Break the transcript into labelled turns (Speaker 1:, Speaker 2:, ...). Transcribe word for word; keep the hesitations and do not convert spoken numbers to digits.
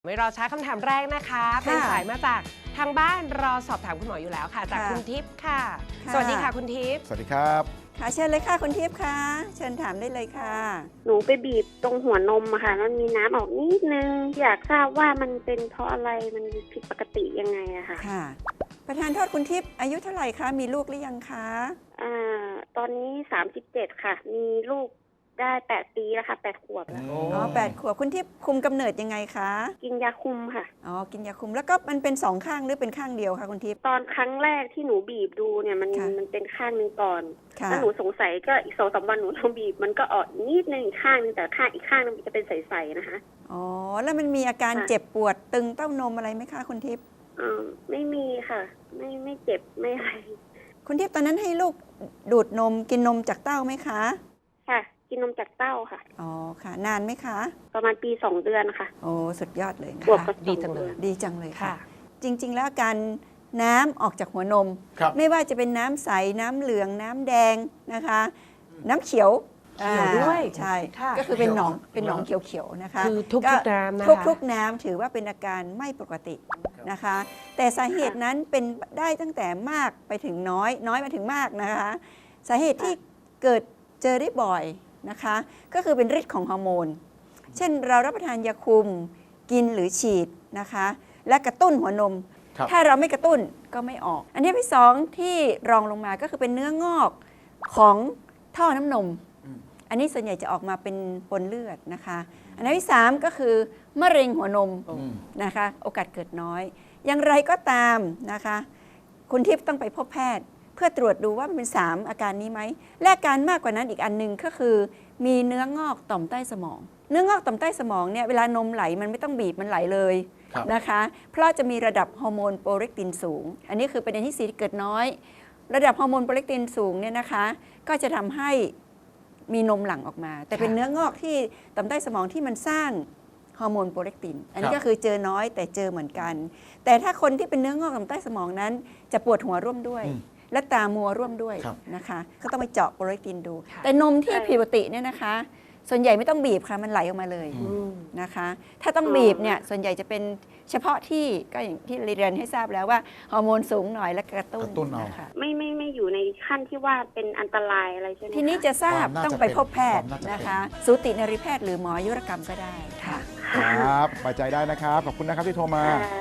Speaker 1: ไม่รอช้าคำถามแรกนะคะเป็นสายมาจากทางบ้านรอสอบถามคุณหมออยู่แล้วค่ะจากคุณทิพย์ค่ะสวัสดีค่ะคุณทิพย์
Speaker 2: สวัสดีครับ
Speaker 3: ค่ะเชิญเลยค่ะคุณทิพย์ค่ะเชิญถามได้เลยค่ะ
Speaker 4: หนูไปบีบตรงหัวนมอะค่ะมันมีน้ำออกนิดนึงอยากทราบว่ามันเป็นเพราะอะไรมันผิดปกติยังไงอะค่ะ
Speaker 3: ค่ะประธานโทษคุณทิพย์อายุเท่าไหร่คะมีลูกหรือยังคะ
Speaker 4: อ่าตอนนี้สามสิบเจ็ดค่ะมีลูกได้แปดปีแล้วค่ะแปดขวบแล้ว
Speaker 3: อ๋อแปดขวบคุณทิพย์คุมกำเนิดยังไงคะ
Speaker 4: กินยาคุมค่ะ
Speaker 3: อ๋อกินยาคุมแล้วก็มันเป็นสองข้างหรือเป็นข้างเดียวคะคุณทิพย์
Speaker 4: ตอนครั้งแรกที่หนูบีบดูเนี่ยมันมันเป็นข้างหนึ่งก่อนแล้วหนูสงสัยก็อีกสองสามวันหนูลองบีบมันก็ออกนิดนึงอีกข้างนึงแต่ข้างอีกข้างนึงมันจะเป็นใสๆนะคะ
Speaker 3: อ๋อแล้วมันมีอาการเจ็บปวดตึงเต้านมอะไรไหมคะคุณทิพย์
Speaker 4: อ่าไม่มีค่ะไม่ไม่เจ็บไม่อะไร
Speaker 3: คุณทิพย์ตอนนั้นให้ลูกดูดนมกินนมจากเต้าไหมคะ
Speaker 4: ค่ะกินนมจากเต้าค่ะ
Speaker 3: อ๋อค่ะนานไหมคะ
Speaker 4: ประมาณปีสองเดือนค่ะ
Speaker 3: โอ้สุดยอดเลย
Speaker 4: บวกกับ
Speaker 1: ดีจังเลย
Speaker 3: ดีจังเลยค่ะจริงๆแล้วการน้ำออกจากหัวนมไม่ว่าจะเป็นน้ำใสน้ำเหลืองน้ำแดงนะคะน้ำเขียว
Speaker 1: เขียวด้วย
Speaker 3: ใช่ก็คือเป็นหนองเป็นหนองเขียวๆนะคะ
Speaker 1: คือทุกๆน้ำนะคะ
Speaker 3: ทุกๆน้ำถือว่าเป็นอาการไม่ปกตินะคะแต่สาเหตุนั้นเป็นได้ตั้งแต่มากไปถึงน้อยน้อยมาถึงมากนะคะสาเหตุที่เกิดเจอได้บ่อยนะคะก็คือเป็นฤทธิ์ของฮอร์โมนเช่นเรารับประทานยาคุมกินหรือฉีดนะคะและกระตุ้นหัวนมถ้าเราไม่กระตุ้นก็ไม่ออกอันนี้ที่สองที่รองลงมาก็คือเป็นเนื้องอกของท่อน้ำนมอันนี้ส่วนใหญ่จะออกมาเป็นปนเลือดนะคะอันที่สามก็คือมะเร็งหัวนมนะคะโอกาสเกิดน้อยอย่างไรก็ตามนะคะคุณทิพย์ต้องไปพบแพทย์เพื่อตรวจดูว่ามันเป็นสามอาการนี้ไหมและอาการมากกว่านั้นอีกอันหนึ่งก็คือมีเนื้องอกต่อมใต้สมองเนื้องอกต่อมใต้สมองเนี่ยเวลานมไหลมันไม่ต้องบีบมันไหลเลยนะคะเพราะจะมีระดับฮอร์โมนโปรเลกตินสูงอันนี้คือประเด็นที่สี่ที่เกิดน้อยระดับฮอร์โมนโปรเลกตินสูงเนี่ยนะคะก็จะทำให้มีนมหลั่งออกมาแต่เป็นเนื้องอกที่ต่อมใต้สมองที่มันสร้างฮอร์โมนโปรเลกตินอันนี้ก็คือเจอน้อยแต่เจอเหมือนกันแต่ถ้าคนที่เป็นเนื้องอกต่อมใต้สมองนั้นจะปวดหัวร่วมด้วยและตามัวร่วมด้วยนะคะก็ต้องไปเจาะโปรเลกตินดูแต่นมที่ผิดปกติเนี่ยนะคะส่วนใหญ่ไม่ต้องบีบค่ะมันไหลออกมาเลยนะคะถ้าต้องบีบเนี่ยส่วนใหญ่จะเป็นเฉพาะที่ก็อย่างที่เรียนให้ทราบแล้วว่าฮอร์โมนสูงหน่อยและกระตุ้น
Speaker 2: นะคะ
Speaker 4: ไม่ไม่ไม่อยู่ในขั้นที่ว่าเป็นอันตรายอะไรใช่ไหม
Speaker 3: ทีนี้จะทราบต้องไปพบแพทย์นะคะสูตินรีแพทย์หรือหมออายุรกรรมก็ได้ค่ะ
Speaker 2: ครับสบายใจได้นะครับขอบคุณนะครับที่โทรมา